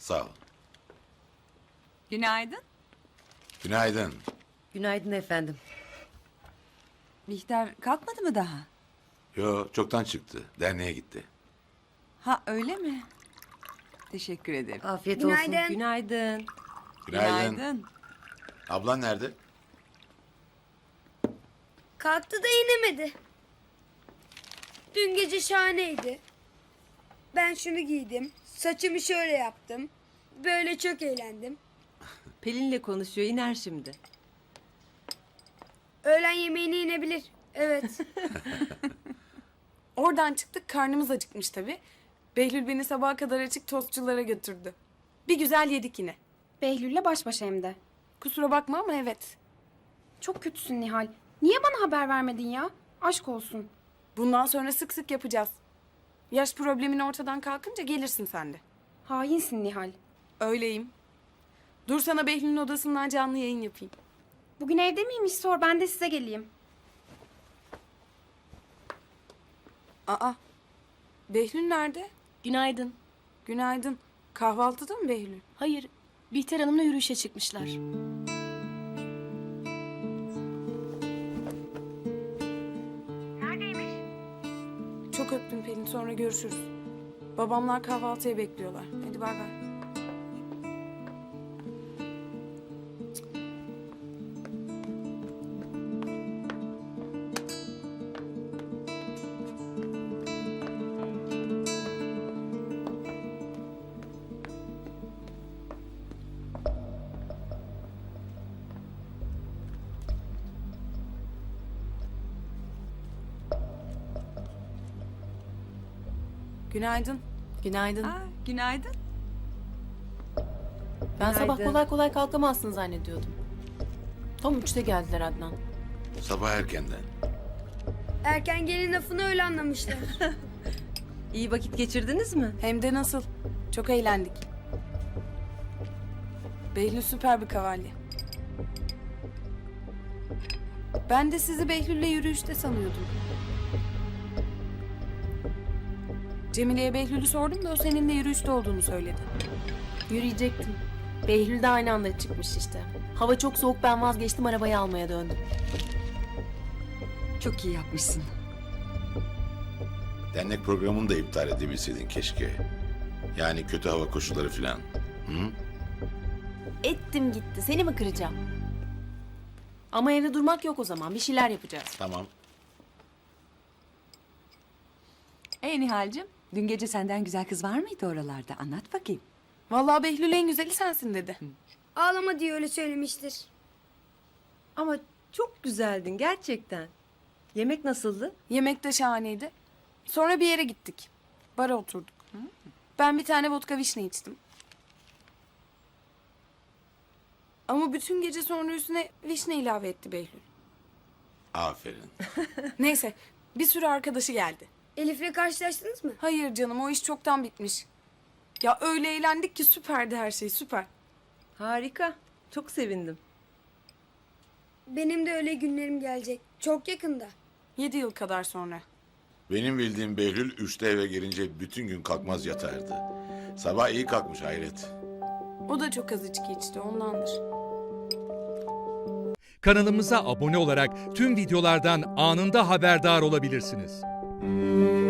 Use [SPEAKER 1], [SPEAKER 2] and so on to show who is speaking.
[SPEAKER 1] Sağ ol.
[SPEAKER 2] Günaydın.
[SPEAKER 1] Günaydın.
[SPEAKER 3] Günaydın efendim.
[SPEAKER 2] Bihter kalkmadı mı daha?
[SPEAKER 1] Yo, çoktan çıktı. Derneğe gitti.
[SPEAKER 2] Ha öyle mi? Teşekkür ederim.
[SPEAKER 3] Afiyet
[SPEAKER 4] Günaydın.
[SPEAKER 3] olsun. Günaydın.
[SPEAKER 1] Günaydın. Ablan nerede?
[SPEAKER 4] Kalktı da inemedi. Dün gece şahaneydi. Ben şunu giydim. Saçımı şöyle yaptım. Böyle çok eğlendim.
[SPEAKER 3] Pelin'le konuşuyor. İner şimdi.
[SPEAKER 4] Öğlen yemeğine inebilir. Evet.
[SPEAKER 5] Oradan çıktık, karnımız acıkmış tabii. Behlül beni sabaha kadar açık tostçulara götürdü. Bir güzel yedik yine.
[SPEAKER 6] Behlül'le baş başa hem de.
[SPEAKER 5] Kusura bakma ama evet.
[SPEAKER 6] Çok kötüsün Nihal. Niye bana haber vermedin ya? Aşk olsun.
[SPEAKER 5] Bundan sonra sık sık yapacağız. Yaş problemin ortadan kalkınca gelirsin sen de.
[SPEAKER 6] Hainsin Nihal.
[SPEAKER 5] Öyleyim. Dur sana Behlül'ün odasından canlı yayın yapayım.
[SPEAKER 6] Bugün evde miymiş sor, ben de size geleyim.
[SPEAKER 5] Aa, Behlül nerede?
[SPEAKER 7] Günaydın.
[SPEAKER 5] Günaydın. Kahvaltıda mı Behlül?
[SPEAKER 7] Hayır, Bihter Hanım'la yürüyüşe çıkmışlar.
[SPEAKER 5] Çok öptüm Pelin, sonra görüşürüz. Babamlar kahvaltıya bekliyorlar. Hadi bay bay. Günaydın.
[SPEAKER 7] Günaydın.
[SPEAKER 2] Günaydın.
[SPEAKER 7] Ben sabah
[SPEAKER 3] Günaydın.
[SPEAKER 7] kolay kolay kalkamazsın zannediyordum. Tam 3'te geldiler Adnan.
[SPEAKER 1] Sabah erkenden.
[SPEAKER 4] Erken gelin lafını öyle anlamışlar.
[SPEAKER 3] İyi vakit geçirdiniz mi?
[SPEAKER 5] Hem de nasıl? Çok eğlendik. Behlül süper bir kavalye. Ben de sizi Behlül'le yürüyüşte sanıyordum. Cemile'ye Behlül'ü sordum da o seninle yürüyüşte olduğunu söyledi.
[SPEAKER 7] Yürüyecektim. Behlül de aynı anda çıkmış işte. Hava çok soğuk, ben vazgeçtim, arabayı almaya döndüm.
[SPEAKER 2] Çok iyi yapmışsın.
[SPEAKER 1] Dernek programını da iptal edebilseydin keşke. Yani kötü hava koşulları falan. Hı?
[SPEAKER 7] Ettim gitti, seni mi kıracağım? Ama evde durmak yok o zaman, bir şeyler yapacağız.
[SPEAKER 1] Tamam.
[SPEAKER 2] Nihal'cim, dün gece senden güzel kız var mıydı oralarda? Anlat bakayım.
[SPEAKER 5] Vallahi Behlül en güzeli sensin dedi.
[SPEAKER 4] Ağlama diye öyle söylemiştir.
[SPEAKER 3] Ama çok güzeldin gerçekten. Yemek nasıldı?
[SPEAKER 5] Yemek de şahaneydi. Sonra bir yere gittik. Bara oturduk. Ben bir tane vodka vişne içtim. Ama bütün gece sonra üstüne vişne ilave etti Behlül.
[SPEAKER 1] Aferin.
[SPEAKER 5] Neyse, bir sürü arkadaşı geldi.
[SPEAKER 4] Elif'le karşılaştınız mı?
[SPEAKER 5] Hayır canım, o iş çoktan bitmiş. Ya öyle eğlendik ki süperdi her şey, süper.
[SPEAKER 3] Harika. Çok sevindim.
[SPEAKER 4] Benim de öyle günlerim gelecek. Çok yakında.
[SPEAKER 5] 7 yıl kadar sonra.
[SPEAKER 1] Benim bildiğim Behlül 3'te eve gelince bütün gün kalkmaz yatardı. Sabah iyi kalkmış hayret.
[SPEAKER 5] O da çok az içki içti, ondandır.
[SPEAKER 8] Kanalımıza abone olarak tüm videolardan anında haberdar olabilirsiniz.